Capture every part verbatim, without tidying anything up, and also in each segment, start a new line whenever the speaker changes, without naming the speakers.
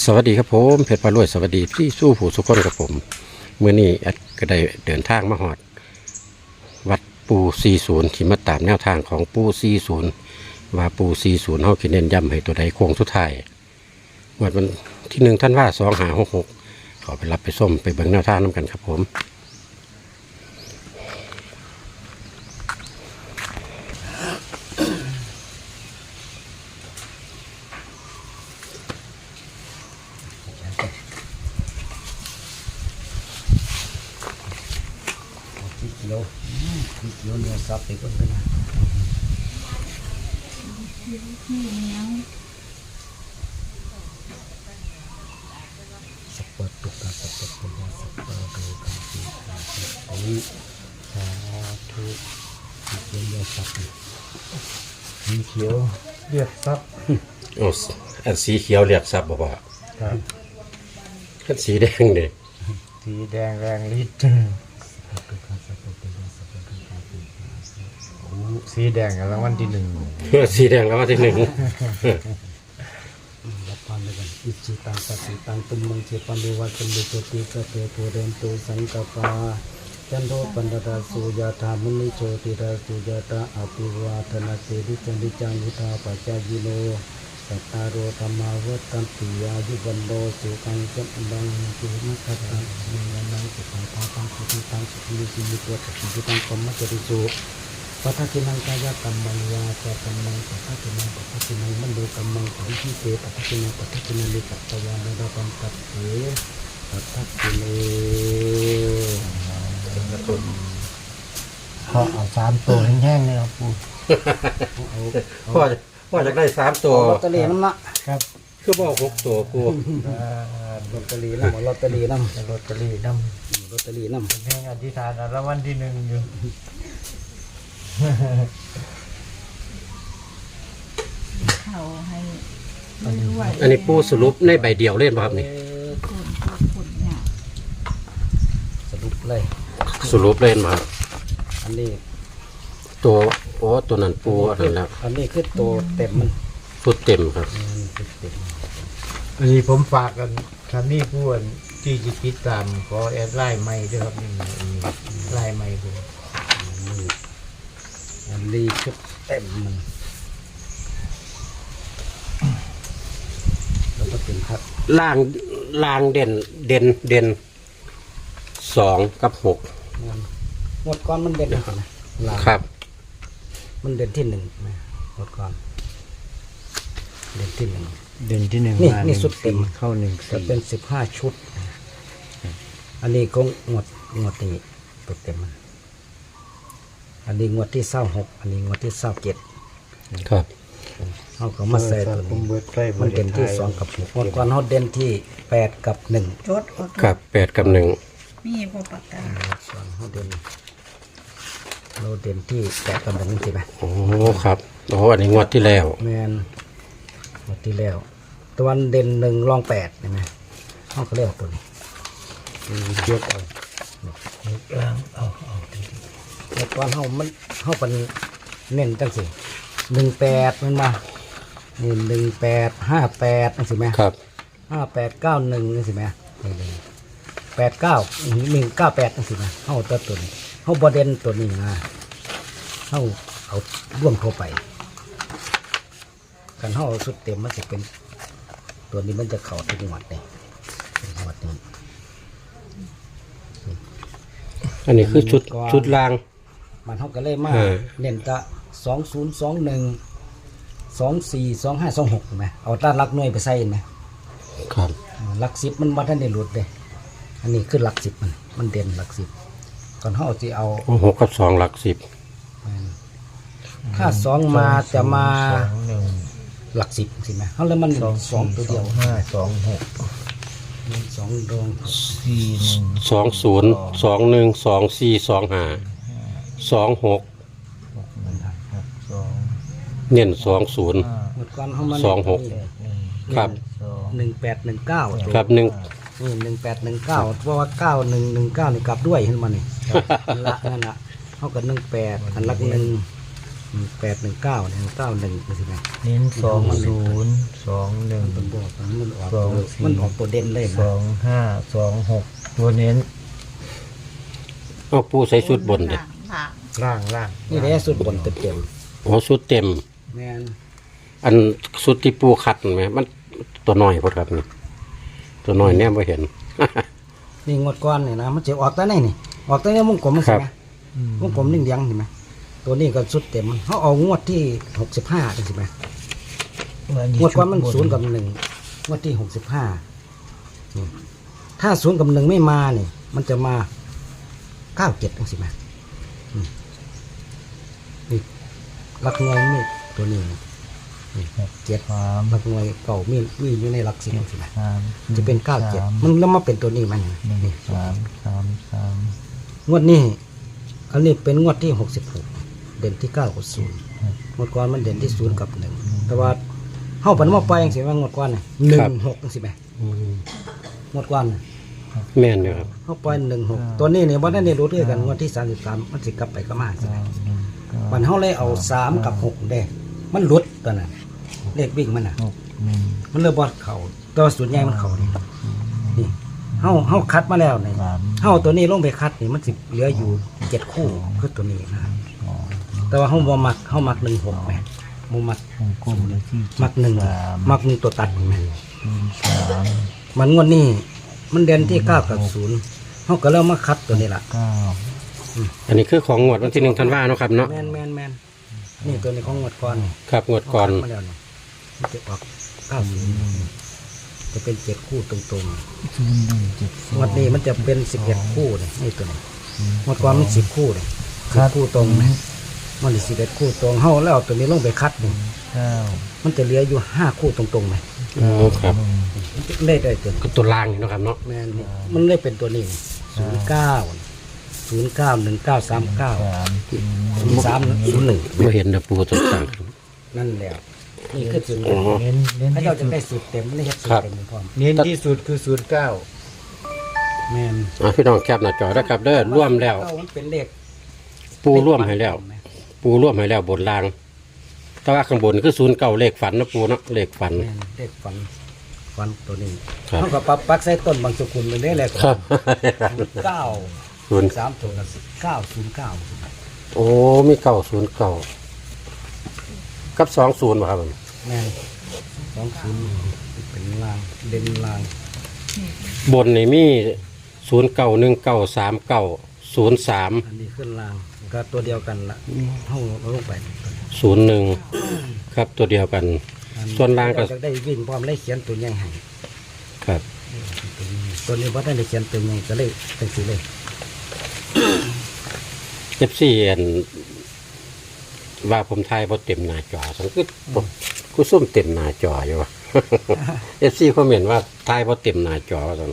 สวัสดีครับผมเพชรพารวยสวัสดีที่สู้ผู้สุขคนกับผมเมื่อนี้แอดก็ได้เดินทางมาหอดวัดปูซีศูนย์ที่มาตามแนวทางของปูซีศูนย์ว่าปูซีศูนย์เขาคิดเน้นย้ำให้ตัวใดโค้งสุดท้ายวันวันที่หนึ่งท่านว่าสองหาหกหกขอไปรับไปส้มไปเบิ่งแนวทางน้ำกันครับผม
โลโลเนื้อสับไปก่อนกันนะสับปะตุกะสับปะตุกะสับปะตุกะสีขาสีสาธุสีเขียวเนื้อสับสีเขียวเรียกสับ
โอ้อันสีเขียวเรียกซับบ่บ่
ครับ
อันสีแดงเด้
สีแดงแรงฤทธิ์สีแดงรางวัลที่หนึ่ง
สีแดงแล้วว่าที่หนึ่ง
รับพรด้วยกันอิจิตังสัพพิตังตุมมังเจปันเดวะตุมเดโชติสเปโพเรนตุสังกปาจันโทปันดาสุยาธามุนิโชติราสุยาตาอภิวาทนาเตดิจันดิจังวุธาปัจจายิโนสัตตารโอธรรมาวัตันติยายุวันโดสุขังจันดังสุนัขตังสุนันนังสุขังภาปังสุขิตังสุขิลิสิมิตัวสุขิตังกรรมจริสุปัทธินังกายกรรมังวาจากรรมังปัทธินังปัทธินังมโนกรรมังปริทิเตปัทธินังปัทธินังลิปัตตวานาดาปัมปัตเถปัทธิเนเขาเอาสามตัวแห้งๆเลยครับปู่เอา
พ่อพ่ออยากได้สามตัว
ลอตเตอรี่น้ำนะครับ
คือบอกหกตัวกู
ลอตเตอรี่น้ำลอตเตอรี่น้ำลอตเตอรี่น้ำลอตเตอรี่น้ำ
แห่งอธิษฐานรางวัลที่หนึ่งอยู่
เขาให้ด้วย
อันนี้ปูสรุปในใบเดียวเล่นป่ะครับนี่
คนคนเนี่ย
สรุปเลย
สรุปเล่นมาครับ
อันนี้
ตัวโอ้ตัวนั้นปูอันนั้นแล้ว
อันนี้คือตัวเต็มมัน
ชุดเต็มครับ
มันคือเต็ม
อันนี้ผมฝากกันท่านนี่ผู้ที่จะติดตามขอแอดไลน์ใหม่ด้วยครับนี่ไลน์ใหม่ผม
นี่อันนี้คือเต็มมันแล้วก็เป็นครับ
ล่างล่างเด่นเด่นเด่นสองกับหก
มันงวดก่อนมันเด่นนะลา
ครับ
มันเด่นที่หนึ่งนะงวดก่อนเด่นที่หนึ่ง
เดือนที่หนึ่ง
นี่
มา
นี่สุดเต็ม
เข้าหนึ่ง
จะ
สี่
เป็นสิบห้าชุด อันนี้ก็งวดงวดนี้ตัวเต็มมันอันนี้งวดที่เศร้าหกอันนี้งวดที่เศร้าเจ็ด
ครับ
เขาก็มาใส่ตัว
ผม
นี้
เบิดใกล้
มันเด่นที่สองกับหกงวดก่อนเขาเด่นที่แปดกับหนึ่ง
จดก็
ครับแปดกับหนึ่ง
มีพอปากกา
ส่วนเขาเด่นเราเด่นที่แปดกับหนึ่งใช่ไหม
โอ้ครับโอ้อันนี้งวดที่แล้ว
แมนงวดที่แล้วตะวันเด่นหนึ่งรองแปดใช่ไหมเขาก็เรียกตัวนี้เยกเอา
ล้างเอาเอา
งวดก่อนเขามันเขาเป็นเน้นจังสิหนึ่งแปดมันมานี่หนึ่งแปดห้าแปดนั่นสิไหม
ครับ
ห้าแปดเก้าหนึ่งนั่นสิไหมแปดเก้าหนึ่งเก้าแปดนั่นสิไหมเขาตัวตัวนี้เขาบอเด่นตัวนี้นะเขาเอาร่วมเข้าไปกันเขาเอาสุดเต็มมันจะเป็น ตัวนี้มันจะเข่าทุกหมวดเลยเป็นหมวดนี้
อันนี้คือชุดชุดล่าง
มันเขาก็เลยมา
เออ
เน้นกะสองศูนย์สองหนึ่งสองสี่สองห้าสองหกไหมเอาต้านลักหน่วยไปใส่ไหม
ครับ
หลักสิบมันมาท่านได้หลุดเลยอันนี้คือหลักสิบมันมันเด่นหลักสิบก่อนเขาจะเอา
โอ้หกกับสองหลักสิบ
ถ้าสองมาจะมา
สองหนึ่ง
หลักสิบใช่ไหมเขาเลยมันสองตัวเดียว
ห้าสองหก
สองดวง
สี่หนึ่ง
สองศูนย์สองหนึ่งสองสี่สองห้าสองหก
หกหนึ่งหกสอง
เน้นสองศูนย์
ห้า
หมดก่อนเขามัน
สองหก
แปดหนึ่ง
ครับ
สอง
หนึ่งแปดหนึ่งเก้า
ครับหนึ่ง
นี่หนึ่งแปดหนึ่งเก้าเพราะว่าเก้าหนึ่งหนึ่งเก้านี่กลับด้วยเห็นมานี่ละนั่นละเท่ากับหนึ่งแปดอันลักหนึ่งแปดหนึ่งเก้าหนึ่งเก้าหนึ่งสิไหม
เน้นสองศูนย์สองหนึ่ง
มันบอกว่ามันออก
สอง
ตัว
สี่
มันออกตัวเด่นเลย
ส
นะ
องห้าสองหกตัวเน้น
เอาปูใส่ชุดบนเด็
ล่างล่าง
ล่างล่าง
นี่แหละสุดบนเต็ม
โอ้ชุดเต็ม
ๆแมน
อันชุดที่ปูคัดไหมมันตัวน้อยพอครับนี่ตัวน้อยเนี่ยไม่เห็น
นี่งวดก้อนนี่นะมันจะออกแต่ไหนนี่ออกแต่ในวงกลมมัน
ค
สิ
รับ
ไหมวงกลมนิ่งยังเห็นไหมตัวนี้ก็สุดเต็มเขาเอางวดที่หกสิบห้าใช่ไหมงวดก้อนมันศูนย์กับหนึ่งงวดที่หกสิบห้าถ้าศูนย์กับหนึ่งไม่มาเนี่ยมันจะมาเก้าเจ็ดใช่ไหมอืมนี่หลักหน่วยมีตัวนี้นี่เจ็ด
สาม
หลักหน่วยเก่ามีมีอยู่ในหลักสิบใช่ไหม
สาม
จะเป็นเก้าเจ็ดมันแล้วมาเป็นตัวนี้มัน
หนึ่ง
นี่
สามสามสาม
งวดนี้อันนี้เป็นงวดที่หกสิบหกเด่นที่เก้ากับศูนย์งวดก่อนมันเด่นที่ศูนย์กับหนึ่งแต่ว่าเข้าปันมาไปยังสิว่างวดก่อนน่ะหนึ่งหกสิไหม
อืม
งวดก่อนน่ะ
แม่นอยู่ครับ
เข้าไปหนึ่งหกตัวนี้เนี่ยวันนั้นเนี่ยรู้ด้วยกันงวดที่สามสิบสามมันสิกลับไปก็มาใช่ไหม
เก้าหนึ่งเก้า
มันเขาเลยเอาสามกับหกเด้มันหลุดตัวนั้นเลขวิ่งมันน่ะ
หกหนึ่ง
มันเลยบอดเข่าแตัวาส่วนใหญ่มันเข่านี่นี่เฮาเฮาคัดมาแล้วนี่
สาม
เฮาตัวนี้ลงไปคัดนี่มันสิเหลืออยู่เจ็ดคู่คือตัวนี้นะ
สอง
แต่ว่าเฮาบ่มักเฮามักหนึ่งหกแหม่บ่มัก
วงกลมเลยที่
มักหนึ่ง
สาม
มักหนึ่งตัวตัดแหม่
หนึ่งสาม
มันงวดนี้มันเด่นที่เก้ากับศูนย์เฮาก็เริ่มมาคัดตัวนี้ล่ะ
เก้า
อันนี้คือของงวดวันที่หนึ่งธันวาเนาะครับเนาะ
แม่นแม่นแม่นนี่ตัวนี้ของงวดก่อนนี่
ครับงวดก่อน
เฮาคัดมาแล้วนี่มันจะออกเก้าศูนย์จะเป็นเจ็ดคู่ตรง
ศูนย์หนึ่งเจ็ดส
ๆ
อง
งวดนี้มันจะเป็นสิบเอ็ดคู่เลยนี่ตัวนี้งวดก่อนมันสิบคู่เลย
ครั
สิบบ คู่ตรงนะมันสิบเอ็ดคู่ตรงเฮาแล้วเอาตัวนี้ลงไปคัดนี่
เก้า
มันจะเหลืออยู่ห้าคู่ตรงๆไหม
โอ้ครับ
เลขได้ตัวนี้
ก็ตัวล่างนี่เนาะครับเนาะ
แม่นนี่มันเลยเป็นตัวนี้ศูนย์เก้าศูนย์เก้าหนึ่งเก้าสามเก้า
สาม
ศูนย์สามศูนย์หนึ่ง
ไม่เห็นนะปูตัวต่าง
นั่นแหละนี่คือจุด
อ๋อ
เน้นเน้น
ถ้า
ที่
เราจะ
สุด
ได้สูตรเต็มไม่ได้เฮ็ดสูต
ครั
ร
บ
เต็มพร้อม
เน้นที่สุดคือศูนย์เก้า
แม่น
อ่ะพี่น้องแคปหน้าจอได้ครับเด้อร่วมแล้ว
เก้ามันเป็นเลข
ปูร่วมให้แล้ว ปูร่วมให้แล้วบนล่าง แต่ว่าข้างบนคือศูนย์เก่าเลขฝันนะปูเนาะเลขฝัน
แม่นเลขฝันฝันตัวนี้
ครับ
เขาก็ปรับปักใส่ต้นบางสกุลเป็นได้แหละ
ครับ
เก้า
ศูนย์
สามตัวละเก้าศูนย์เก้า
โอ้มีเก่าศูนย์เก่ากับสองศูนย์ป่ะครับผม
แม่นสองศูนย์เป็นลางเด่นลาง
บนนี่มีศูนย์เก่าหนึ่งเก่าสามเก่าศูนย์สาม
อันนี้ขึ้นลางก็ตัวเดียวกันละห้องเราลงไป
ศูนย์หนึ่งครับตัวเดียวกัน ส่วนล่างก็
เรจะได้วิ่งพร้อมเลยเขียนตัวใหญ่ให้
ครับ
ตัวนี้ว่าได้เขียนตัวใหญ่ก็เลยเป็นสีเลย
เอฟซีอันว่าผมทายพอเต็มหน้าจอสังคือผมกูซุ่มเต็มหน้าจออยู่วะ เอฟซีเขาเห็นว่าทายพอเต็มหน้าจอสัง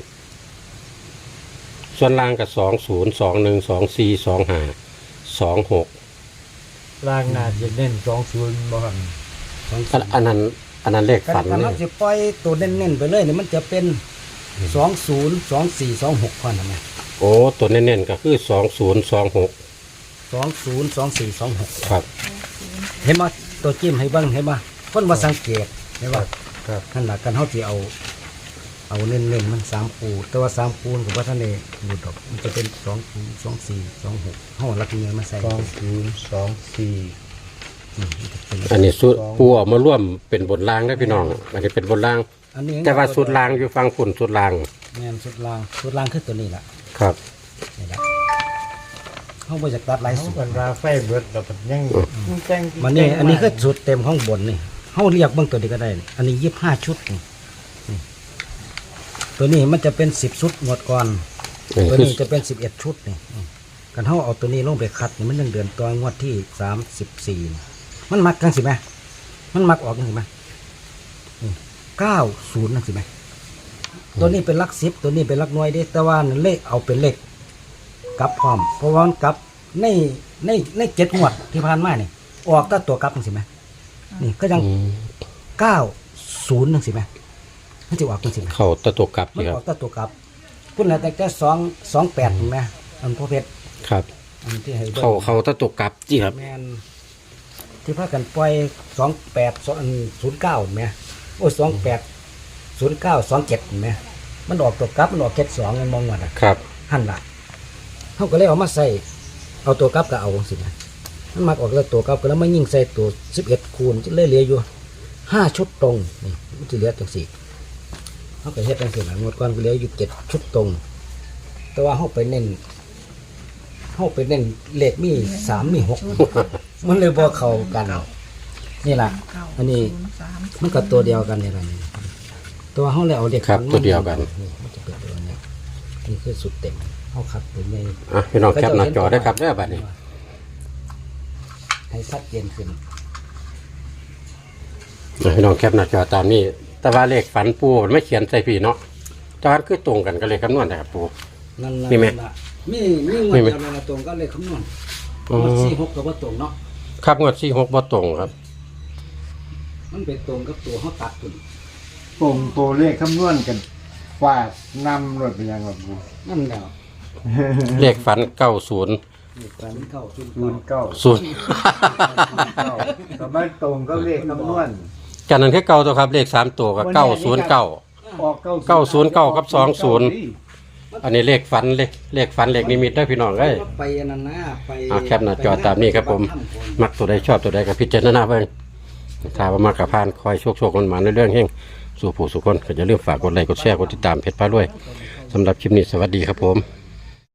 ส่วนล่างกับสองศูนย์สองหนึ่งสองสี่สองห้าสองหก
ล่างนาจะเน้นสองศูนย์บ่ครับ
สอง
อันอันนั้นอันนั้นเลข
การ
ฝัน
การ
เล
เรา
ย
จะปล่อยตัวเน้นๆไปเลยเนี่ยมันจะเป็นสองศูนย์สองสี่สองหกพอนะแม่
โอ้ตัวเน้นๆก็คือสองศูนย์สองหก
สองศูนย์สองสี่สองหก
ครับ
เห็นไหมตัวจิ้มให้เบิ้งเห็นไหมคนมาสังเกตเห็นไหม
ครับ
นั่นแหละการเขาที่เอา เอาเน้นๆมันสามคูแต่ว่าสามคูกับว่าท่านเองดูดอกมันจะเป็นสองคูสองสี่สองหกห้องรักเงินมาใส่
สองศูนย์สองสี่
อืมมันจะเป็น
อันนี้สุดปูเออกมาร่วมเป็นบทล่างได้พี่น้อง อันนี้เป็นบทล่าง
อันนี้
แต่ว่าสุดล่างอยู่ฟังฝุ่นสุดล่าง
แม่นสุดล่างสุดล่างคือตัวนี้แหละ
ครับ
นี่แหละเขาบริจาคตัดหลาย
เขา
สูตร
กันว่าไฟเบิดเราก็ยังแจ้ง
มันนี่อันนี้คือสูตรเต็มข้างบนนี่เขาเรียกเบื้องตัวนี้ก็ได้นี่อันนี้ยี่สิบห้าชุดนี่นี่ตัวนี้มันจะเป็นสิบชุดหมดก่อน
อัน
ตัว
นี้คือ
นี้จะเป็นสิบเอ็ดชุดนี่อืมกันเขาเอาตัวนี้ลงไปคัดนี่มันยังเดือนตัวงวดที่สามสิบสี่มันมักกันสิไหมมันมักออกกันสิไหมเก้าศูนย์นั่นสิไหมตัวนี้เป็นหลักสิบตัวนี้เป็นหลักหน่วยเด้แต่ว่าเลขเอาเป็นเลขกลับพร้อม เพราะว่ามันกลับในในในเจ็ดงวดที่ผ่านมานี่ออกแต่ตัวกลับนั่นสิไหมนี่ก็ยัง
อืม
เก้าศูนย์นั่นสิไหมมันจะออกกันสิไหม
เขาตะตัวกลับ
มัน
นี่ค
อ
รั
อบ กแต่ตัวกลับพุ่นละแต่แค่สองสองแปดเห็นไหมอันพ่อเพชร
ครับ
อันที่ให้บิ่ง
เขาเขาตะตัวกลับจีครับ
แมนที่พากันปล่อยสองแปดศูนย์เก้าไหมโอ้สองแปดศูนย์เก้าสองเจ็ดไหมมันออกตัวกลับมันออกเจ็ดสองมันมองว่าน่ะ
ครับ
หันละเขาก็เลยเอามาใส่เอาตัวกลับก็เอาสินะมันมาออกแล้วตัวกลับก็แล้วมายิงใส่ตัวสิบเอ็ดคูณจะเลยเหลืออยู่ห้าชุดตรงนี่มันจะเหลือจังสี่เขาก็เฮ็ดจังสี่นะงวดก่อนก็เหลืออยู่เจ็ดชุดตรง แต่ว่าเขาไปเน้นเขาไปเน้นเลขมีสามมีหกมันเลยบ่เข้ากันนี่ล่ะ อันนี้
ศูย์สาม
มันก็ตัวเดียวกันนี่ล่ะนี่ตัวเขาเลยเอาเลข
ครับ
ฝัน
ตัวเดียวกัน
นี่มันจะเป็นตัวนี้นี่คือสุดเต็มเขาขับตัวใหญ่
อ่ะพี่น้องแคปหน้าจอได้ครับได้อบัดนี้
ให้ชัดเจนขึ้น
อ่ะพี่น้องแคปหน้าจอตามนี้ แต่ว่าเลขฝันปูมันไม่เขียนใส่พี่เนาะแต่ว่าคือตรงกันก็เลยคำนวณนะครับปู
นั่นล่ะ
มีไหม
นั่นล่ะมีมีงวด
มีไหม
เดียวเลยนะตรงก็เลยคำนวณ
อ๋อ
งวดสี่หกกับว่าตรงเนาะ
ครับงวดสี่หกบ่ตรงครับ
มันเป็นตรงกับตัวเขาตัดตุน
ตรงตัวเลขคำนวณกันฟาดนำรถไปยังแบบกู
นั่นแล้ว
เลขฝันเก้าศูนย์
ศูนย์เก้าศูนย์
ศูนย์เก้า
ศูนย์
เก้าแต่ไม่ตรงก็เลขคำนวณ
จากนั้นคือเก้าตัวครับเลขสามตัวกับเก้าศูนย์เก้า
ออกเก้า
เก้าศูนย์เก้ากับสองศูนย์ อันนี้เลขฝันเลขเลขฝันเลขนิมิตได้อพี่น้องเอ้ย
ไปอันนั้นนะไป
อ่าแคปหน้าจอตามนี้ครับผม มักตัวใดชอบตัวใดกับพิจารณาเบิ่งถ้าว่ามากับพานคอยโชคโชคคนหมาในเรื่องเฮงสู่ผู้สุคนก็จะเริ่าลืมฝากกดไลค์กดแชร์กดติดตามเพจพารวยสำหรับคลิปนี้สวัสดีครับผม